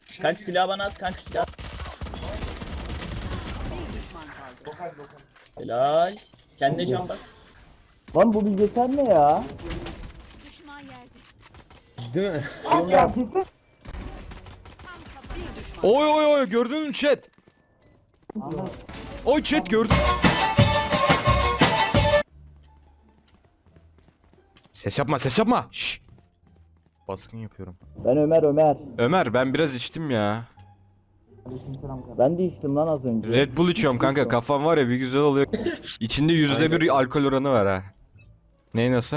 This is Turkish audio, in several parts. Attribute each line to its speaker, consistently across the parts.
Speaker 1: Kanka silahı bana at, kanka silah. Helal. Kendine can bas.
Speaker 2: Lan bu bilgisayar ne ya?
Speaker 3: Düşman yerde.
Speaker 4: Değil mi?
Speaker 2: Ya
Speaker 5: Oy oy oy, gördün mü chat? Oy chat gördün. Ses yapma, ses yapma. Şşş. Baskın yapıyorum.
Speaker 2: ben Ömer.
Speaker 5: Ömer, ben biraz içtim ya.
Speaker 2: Ben de içtim lan az önce.
Speaker 5: Red Bull içiyorum kanka, kafam var ya bir güzel oluyor. İçinde %1 alkol oranı var ha. Ney nasıl?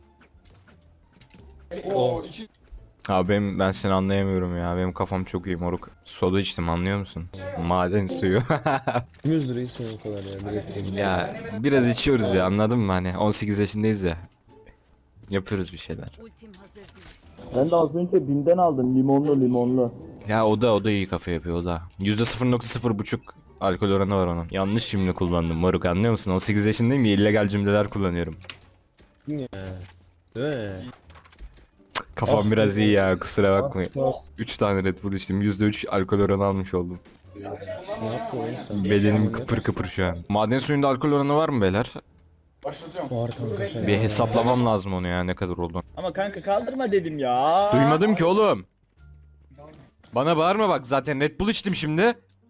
Speaker 5: Abi ben seni anlayamıyorum ya. Benim kafam çok iyi moruk. Soda içtim, anlıyor musun? Maden suyu.
Speaker 4: 100 lirayı son o kadar ya. Direkt.
Speaker 5: Ya biraz içiyoruz ya, anladın mı, hani 18 yaşındayız ya. Yapıyoruz bir şeyler.
Speaker 3: Ultim hazır değil.
Speaker 2: Ben de az önce BİM'den aldım limonlu.
Speaker 5: Ya o da iyi kafa yapıyor o da. %0.0,5 alkol oranı var onun. Yanlış cümle kullandım moruk, anlıyor musun? 18 yaşındayım ya, illegal cümleler kullanıyorum.
Speaker 4: Ya. Değil mi?
Speaker 5: Kafam biraz iyi ya, kusura bakmayın.
Speaker 4: Bas.
Speaker 5: 3 tane Red Bull içtim, %3 alkol oranı almış oldum.
Speaker 4: Ne yaptın oğlum sen?
Speaker 5: Bedenim kıpır kıpır şu an. Maden suyunda alkol oranı var mı beyler?
Speaker 4: Var kanka sen.
Speaker 5: Bir hesaplamam lazım onu ya, ne kadar oldu.
Speaker 1: Ama kanka kaldırma dedim ya.
Speaker 5: Duymadım ki oğlum. Bana bağırma bak, zaten Red Bull içtim şimdi.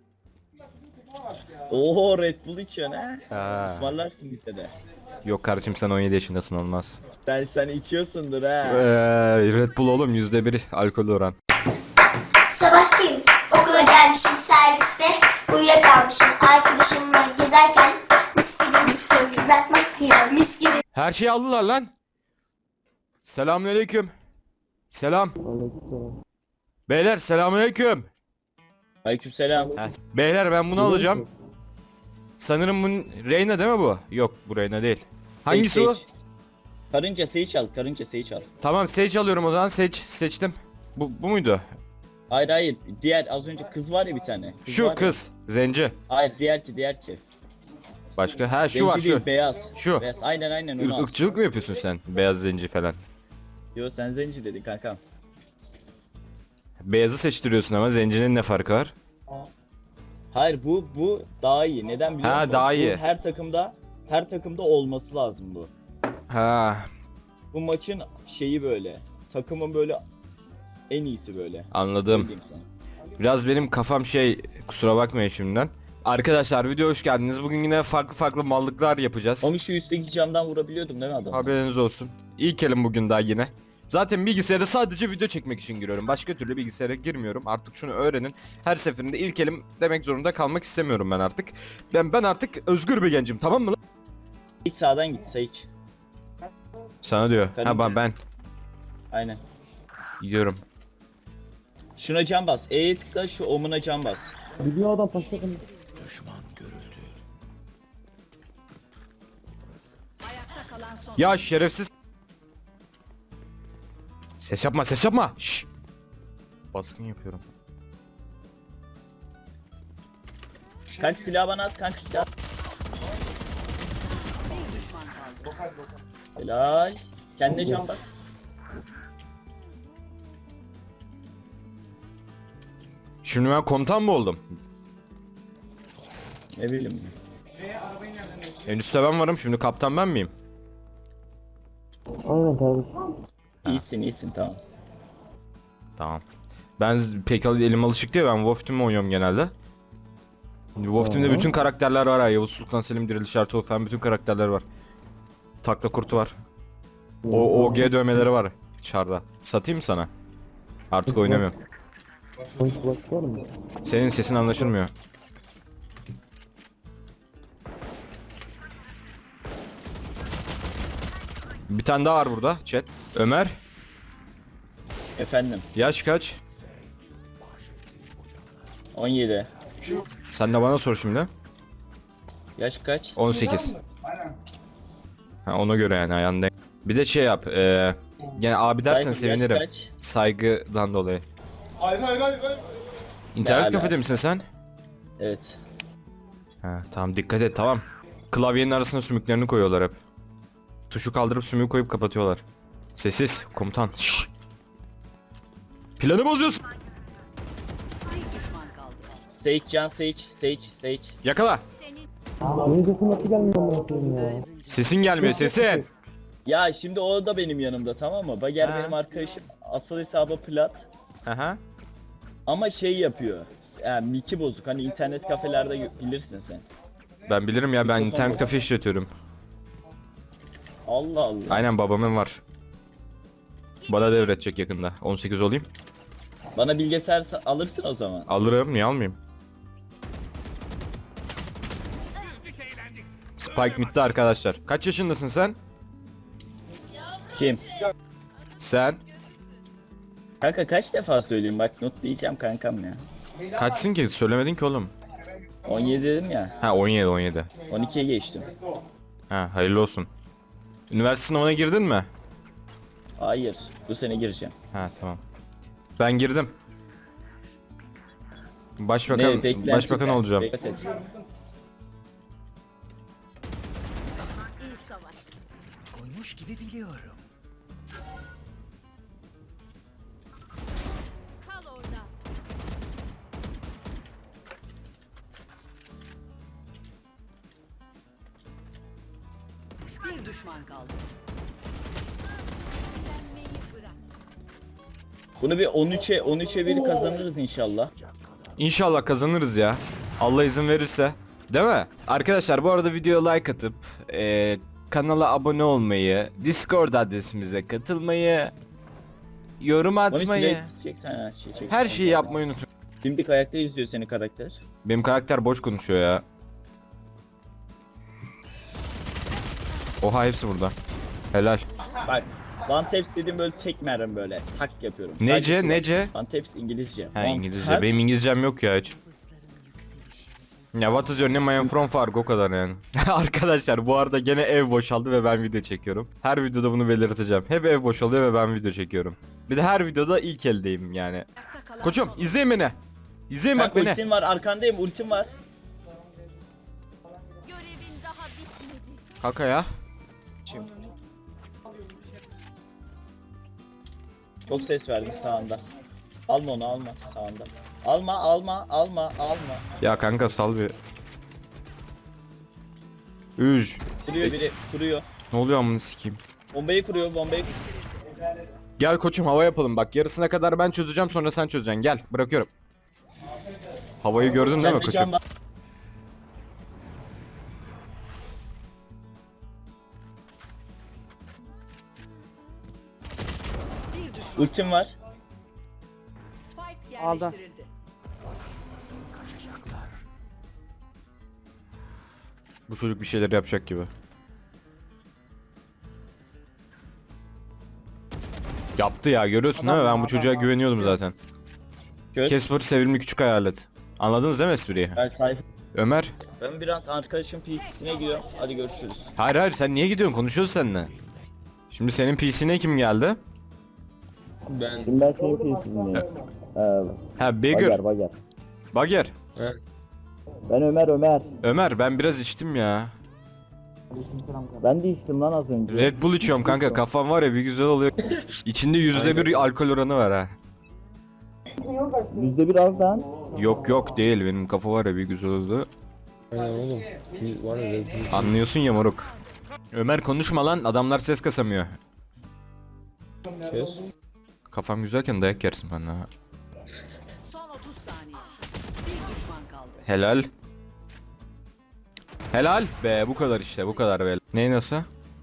Speaker 1: Oo, Red Bull içiyorsun ha.
Speaker 5: Ha.
Speaker 1: Ismarlarsın bize de.
Speaker 5: Yok kardeşim, sen 17 yaşındasın, olmaz.
Speaker 1: Sen içiyorsundur ha.
Speaker 5: Red Bull oğlum, %1 alkol oran.
Speaker 6: Sabahçıyım, okula gelmişim serviste, uyuyakalmışım arkadaşımla gezerken mis gibi mis gibi kızartmak yiyor, mis gibi.
Speaker 5: Her şeyi aldılar lan. Selamünaleyküm. Selam. Beyler selamünaleyküm.
Speaker 1: Aleykümselam.
Speaker 5: Beyler ben bunu alacağım. Sanırım bu Reyna değil mi bu? Yok, bu Reyna değil. Hangisi bu?
Speaker 1: Sage. Karınca Sage al, karınca Sage al.
Speaker 5: Tamam, Sage alıyorum o zaman. Seçtim. Bu muydu?
Speaker 1: Hayır, diğer az önce kız var ya bir tane.
Speaker 5: Şu
Speaker 1: var ya.
Speaker 5: kız. Zenci.
Speaker 1: Hayır, diğerki.
Speaker 5: Başka? Ha şu
Speaker 1: Zenci
Speaker 5: var,
Speaker 1: değil,
Speaker 5: şu.
Speaker 1: beyaz.
Speaker 5: Şu.
Speaker 1: Beyaz. Aynen onu al.
Speaker 5: Irkçılık mı yapıyorsun sen? Beyaz zenci falan.
Speaker 1: Yo, sen zenci dedin kankam.
Speaker 5: Beyazı seçtiriyorsun ama zencinin ne farkı var?
Speaker 1: Hayır, bu daha iyi. Neden biliyor
Speaker 5: Ha,
Speaker 1: musun?
Speaker 5: daha
Speaker 1: Bu
Speaker 5: iyi.
Speaker 1: her takımda olması lazım bu.
Speaker 5: Ha,
Speaker 1: Bu maçın şeyi böyle. Takımın böyle en iyisi böyle.
Speaker 5: anladım.
Speaker 1: Ne diyeyim sana?
Speaker 5: Biraz benim kafam kusura bakmayın şimdiden. Arkadaşlar videoya hoş geldiniz. Bugün yine farklı mallıklar yapacağız.
Speaker 1: Onu şu üstteki camdan vurabiliyordum değil mi adam?
Speaker 5: Haberiniz olsun. İlk elim bugün daha yine. Zaten bilgisayara sadece video çekmek için giriyorum. Başka türlü bilgisayara girmiyorum. Artık şunu öğrenin. Her seferinde ilk elim demek zorunda kalmak istemiyorum ben artık. Ben artık özgür bir gencim, tamam mı lan?
Speaker 1: İlk sağdan git Sage.
Speaker 5: Sana diyor. Ha
Speaker 1: Karınca.
Speaker 5: ben
Speaker 1: Aynen.
Speaker 5: gidiyorum.
Speaker 1: Şuna cam bas. E'ye tıkla, şu omuna cam bas.
Speaker 2: Biliyor adam paşadım.
Speaker 3: Ayakta kalan son.
Speaker 5: Ya şerefsiz. Ses yapma, ses yapma. Şşş. Baskın yapıyorum.
Speaker 1: Kanka silahı bana at, kanka silah.
Speaker 3: Bir düşman kaldı.
Speaker 1: Helal. Kendine cam bas.
Speaker 5: Şimdi ben komutan mı oldum?
Speaker 1: Ne bileyim.
Speaker 5: En üstte ben varım, şimdi kaptan ben miyim?
Speaker 2: Aynen kardeşim.
Speaker 1: İyisin tamam.
Speaker 5: Tamam. Ben pek elim alışık değil, ben Wolf Team oynuyorum genelde. Wolf Team'de bütün karakterler var ha. Yavuz Sultan Selim, Diriliş Ertuğrul falan bütün karakterler var. Takla kurtu var. O OG dövmeleri var çarda. Satayım mı sana? Artık oynamıyorum.
Speaker 2: Flash var mı?
Speaker 5: Senin sesin anlaşılmıyor. Bir tane daha var burada chat. Ömer,
Speaker 1: Efendim.
Speaker 5: yaş kaç?
Speaker 1: 17.
Speaker 5: Sen de bana sor şimdi.
Speaker 1: Yaş kaç?
Speaker 5: 18. Ha, ona göre yani ayağında. Bir de şey yap. Yani abi dersen
Speaker 1: Saygı,
Speaker 5: sevinirim.
Speaker 1: yaş kaç?
Speaker 5: Saygıdan dolayı.
Speaker 7: Hayır.
Speaker 5: İnternet
Speaker 1: Ne
Speaker 5: kafede
Speaker 1: ala?
Speaker 5: misin sen?
Speaker 1: Evet.
Speaker 5: Ha, tamam dikkat et, tamam. Klavyenin arasına sümüklerini koyuyorlar hep. Tuşu kaldırıp sümüğü koyup kapatıyorlar. Sessiz komutan. Şşş. Planı bozuyorsun.
Speaker 1: Sage can Sage.
Speaker 5: Yakala.
Speaker 3: Senin
Speaker 2: Benim sesim nasıl gelmiyor amına koyayım ya?
Speaker 5: Sesin gelmiyor sesin.
Speaker 1: Ya şimdi o da benim yanımda, tamam mı? Bager
Speaker 5: Ha.
Speaker 1: benim arkadaşım. Asıl hesabı plat.
Speaker 5: Aha.
Speaker 1: Ama şey yapıyor. Yani miki bozuk. Hani internet kafelerde bilirsin sen.
Speaker 5: Ben bilirim ya, ben internet kafe işletiyorum.
Speaker 1: Allah Allah.
Speaker 5: Aynen, babamın var. Bana devredecek yakında. 18 olayım.
Speaker 1: Bana bilgisayar alırsın o zaman.
Speaker 5: Alırım, niye almayayım? Spike bitti arkadaşlar. Kaç yaşındasın sen?
Speaker 1: Kim?
Speaker 5: Sen?
Speaker 1: Kanka kaç defa söyleyeyim, bak not diyeceğim kankam ya.
Speaker 5: Kaçsın ki? Söylemedin ki oğlum.
Speaker 1: 17 dedim ya.
Speaker 5: Ha 17.
Speaker 1: 12'ye geçtim.
Speaker 5: Ha hayırlı olsun. Üniversite sınavına girdin mi?
Speaker 1: Hayır. Bu sene gireceğim.
Speaker 5: Ha tamam. Ben girdim. Başbakan
Speaker 1: beklenti-
Speaker 5: olacağım.
Speaker 1: Dikkat et.
Speaker 3: iyi savaştın.
Speaker 7: Koymuş gibi biliyorum.
Speaker 3: Kal orada. Bir düşman kaldı. Direnmeyi bırak.
Speaker 1: Bunu bir 13'e 1 kazanırız inşallah.
Speaker 5: İnşallah kazanırız ya. Allah izin verirse. Değil mi? Arkadaşlar bu arada videoya like atıp kanala abone olmayı, Discord adresimize katılmayı, yorum
Speaker 1: Onu
Speaker 5: atmayı,
Speaker 1: çeksen ha, çek.
Speaker 5: her şeyi yapmayı unutmayın.
Speaker 1: Dimdik ayakta izliyor seni karakter.
Speaker 5: Benim karakter boş konuşuyor ya. Oha hepsi burada. Helal.
Speaker 1: Bak. One taps dediğim böyle tek mermi böyle tak yapıyorum. Sadece
Speaker 5: Nece
Speaker 1: şu-
Speaker 5: nece?
Speaker 1: One taps İngilizce.
Speaker 5: Ha
Speaker 1: One
Speaker 5: İngilizce.
Speaker 1: taps-
Speaker 5: Benim İngilizcem yok ya hiç. Ya what is your name? I am from Fargo, o kadar yani. Arkadaşlar bu arada gene ev boşaldı ve ben video çekiyorum. Her videoda bunu belirteceğim. Hep ev boşalıyor ve ben video çekiyorum. Bir de her videoda ilk eldeyim yani.
Speaker 3: Ayakta kalan
Speaker 5: Koçum izleyin beni. İzleyin bak
Speaker 1: Bak
Speaker 5: beni.
Speaker 1: ultim var, arkandayım, ultim var.
Speaker 3: görevin daha bitmedi.
Speaker 5: Kaka ya.
Speaker 1: Çok ses verdi sağında. Alma onu, alma sağında. Alma.
Speaker 5: Ya kanka sal bir. Üj.
Speaker 1: Kuruyor biri, kuruyor.
Speaker 5: Ne oluyor amına sikeyim.
Speaker 1: Bombayı kuruyor, bombayı.
Speaker 5: Gel koçum hava yapalım bak, yarısına kadar ben çözeceğim, sonra sen çözeceksin, gel bırakıyorum. Havayı gördün değil mi
Speaker 1: Kendi
Speaker 5: koçum?
Speaker 1: can-
Speaker 3: Bir düşman.
Speaker 1: Ultim var.
Speaker 3: Spike
Speaker 2: Aldı.
Speaker 3: yerleştirildi.
Speaker 5: Bu çocuk bir şeyler yapacak gibi. Yaptı ya, görüyorsun değil mi? Ben bu çocuğa güveniyordum zaten.
Speaker 1: Göz.
Speaker 5: Casper sevimli küçük hayalet. Anladınız değil mi espriyi?
Speaker 1: Ben sahip.
Speaker 5: Ömer.
Speaker 1: Ben bir an arkadaşım PC'sine gidiyorum. Hadi görüşürüz.
Speaker 5: Hayır sen niye gidiyorsun? Konuşuyoruz seninle. Şimdi senin PC'ne kim geldi?
Speaker 4: Ben
Speaker 2: Şimdi ben senin piyasasındayım.
Speaker 5: Ha Bagger.
Speaker 2: Bager.
Speaker 5: Bagger.
Speaker 2: Ben Ömer.
Speaker 5: Ömer ben biraz içtim ya.
Speaker 2: Ben de içtim lan az önce.
Speaker 5: Red Bull içiyorum kanka, kafam var ya bir güzel oluyor. İçinde %1 alkol oranı var ha.
Speaker 2: %1 az lan.
Speaker 5: Yok değil, benim kafa var ya bir güzel oldu.
Speaker 4: aynen oğlum. Bir var ya.
Speaker 5: Anlıyorsun ya moruk. Ömer konuşma lan, adamlar ses kasamıyor.
Speaker 4: Kes.
Speaker 5: Kafam güzelken dayak yersin bana ha.
Speaker 3: Son 30 saniye. Bir düşman kaldı.
Speaker 5: Helal. Helal be, bu kadar işte, bu kadar be. Ney nasıl?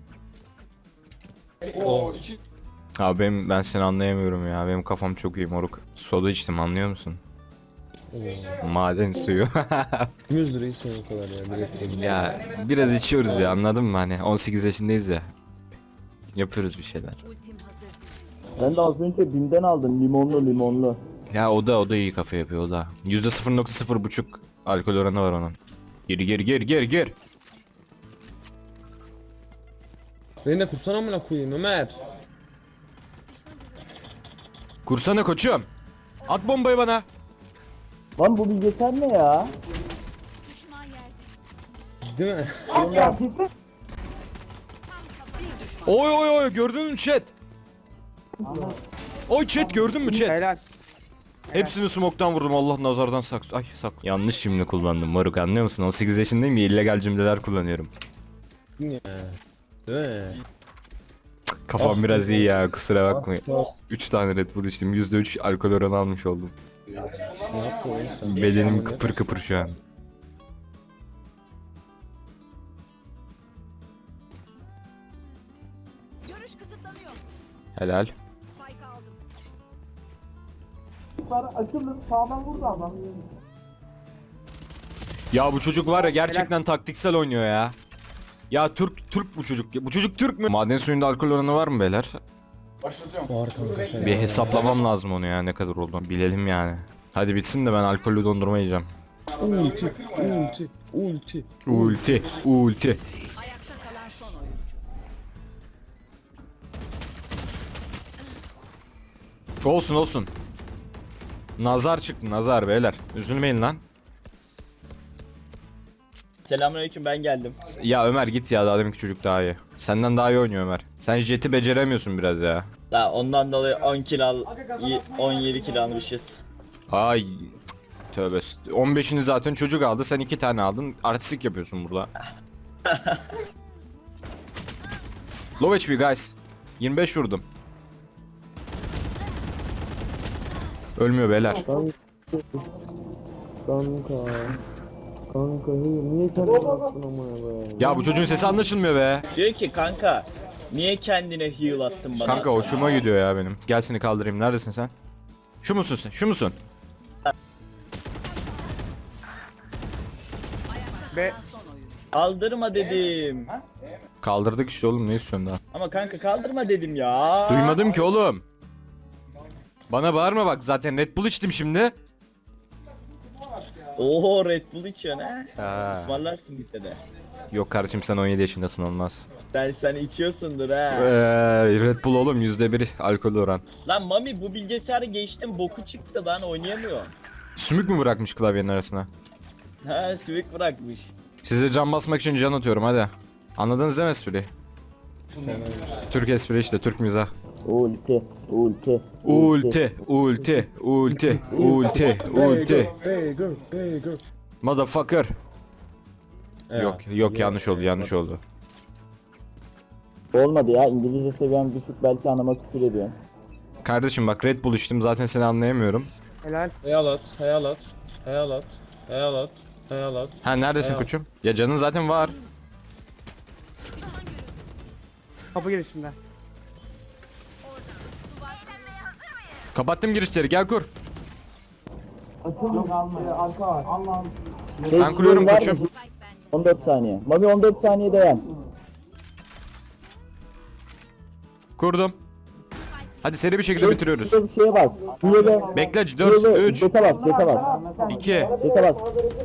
Speaker 5: Abi ben seni anlayamıyorum ya, benim kafam çok iyi moruk. Soda içtim, anlıyor musun? Maden suyu.
Speaker 4: 100 lirayı sen o kadar ya. Direkt
Speaker 5: Ya biraz içiyoruz ya, anladın mı, hani 18 yaşındayız ya. Yapıyoruz bir şeyler.
Speaker 3: Ultim hazır.
Speaker 2: Ben de az önce BİM'den aldım limonlu.
Speaker 5: Ya o da iyi kafa yapıyor o da. %0.0,5 alkol oranı var onun. Gir.
Speaker 4: Reyna kursana amına koyayım Ömer.
Speaker 5: Kursana koçum. At bombayı bana.
Speaker 2: Lan bu bilgisayar ne ya?
Speaker 3: Düşman yerde.
Speaker 4: Değil mi?
Speaker 5: Oy gördün mü chat? Oy chat gördün mü chat?
Speaker 8: Helal.
Speaker 5: Hepsini smoke'tan vurdum. Allah nazardan saksı. Ay sak. Yanlış cümle kullandım moruk, anlıyor musun? 18 yaşındayım ya, illegal cümleler kullanıyorum.
Speaker 4: Değil mi?
Speaker 5: Kafam biraz iyi ya, kusura bakmayın. 3 tane Red Bull içtim. %3 alkol oranı almış oldum.
Speaker 4: Ne yaptın oğlum sen?
Speaker 5: Bedenim kıpır kıpır şu an.
Speaker 3: Görüş kısıtlanıyor.
Speaker 5: Helal.
Speaker 3: Spike aldım.
Speaker 5: Ya bu çocuk var ya, gerçekten taktiksel oynuyor ya. Ya Türk bu çocuk. Bu çocuk Türk mü? Maden suyunda alkol oranı var mı beyler?
Speaker 4: Var kanka sen.
Speaker 5: Bir hesaplamam lazım onu ya, ne kadar olduğunu bilelim yani. Hadi bitsin de ben alkollü dondurma yiyeceğim.
Speaker 4: Ulti.
Speaker 5: Ulti.
Speaker 3: Ayakta kalan son oyuncu.
Speaker 5: Olsun. Nazar çıktı, nazar beyler. Üzülmeyin lan.
Speaker 1: Selamünaleyküm, ben geldim.
Speaker 5: Ya Ömer git ya, daha deminki çocuk daha iyi. Senden daha iyi oynuyor Ömer. Sen jeti beceremiyorsun biraz ya.
Speaker 1: Daha ondan dolayı 10 kill al, 17 kill almışız.
Speaker 5: Ay cık, tövbe. 15'ini zaten çocuk aldı, sen 2 tane aldın. Artistik yapıyorsun burada. Low HP guys. 25 vurdum. Ölmüyor beyler.
Speaker 2: Kanka niye kendini attın amına be?
Speaker 5: Ya bu çocuğun sesi anlaşılmıyor be.
Speaker 1: Diyor ki kanka niye kendine heal attın bana?
Speaker 5: Kanka hoşuma gidiyor ya benim. Gel seni kaldırayım. Neredesin sen? Şu musun sen? Şu musun?
Speaker 3: Son oyuncu.
Speaker 1: Kaldırma dedim.
Speaker 5: Kaldırdık işte oğlum, ne istiyorsun daha?
Speaker 1: Ama kanka kaldırma dedim ya.
Speaker 5: Duymadım ki oğlum. Bana bağırma bak, zaten Red Bull içtim şimdi.
Speaker 1: Oo, Red Bull içiyorsun ha.
Speaker 5: Ha.
Speaker 1: Ismarlarsın bize de.
Speaker 5: Yok kardeşim, sen 17 yaşındasın, olmaz.
Speaker 1: Sen içiyorsundur ha.
Speaker 5: Red Bull oğlum %1 alkol oran.
Speaker 1: Lan Mami, bu bilgisayarı geçtim, boku çıktı lan, oynayamıyor.
Speaker 5: Sümük mü bırakmış klavyenin arasına?
Speaker 1: Ha, sivik bırakmış.
Speaker 5: Size can basmak için can atıyorum hadi. Anladınız değil mi espriyi? Türk espri işte, Türk mizah.
Speaker 2: Ulti.
Speaker 4: Bagel.
Speaker 5: Motherfucker. Yok yanlış oldu.
Speaker 2: Olmadı ya, İngilizce seviyem düşük, belki anama küfür ediyorum.
Speaker 5: Kardeşim bak, Red Bull içtim, zaten seni anlayamıyorum.
Speaker 4: Hayalat.
Speaker 5: Ha neredesin koçum? Ya canın zaten var.
Speaker 8: Kapı girişinde.
Speaker 5: Kapattım girişleri, gel kur.
Speaker 2: Şey,
Speaker 5: Ben kuruyorum
Speaker 2: var
Speaker 5: koçum.
Speaker 2: mı? 14 saniye. Mami 14 saniye dayan.
Speaker 5: Kurdum. Hadi seri bir şekilde bitiriyoruz.
Speaker 2: Şurada bir şeye bak. Hile.
Speaker 5: Bekle 4, 3,
Speaker 2: Jete bak, jete bak.
Speaker 5: 2.
Speaker 2: Jete bak.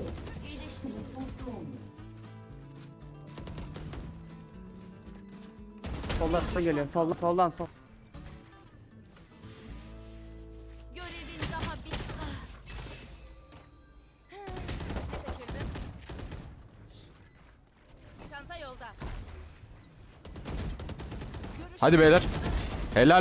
Speaker 8: Soldan geliyor. Soldan.
Speaker 3: Görevin daha bitmedi. Ne şaşırdın? Çanta yolda.
Speaker 5: Hadi beyler. Helal.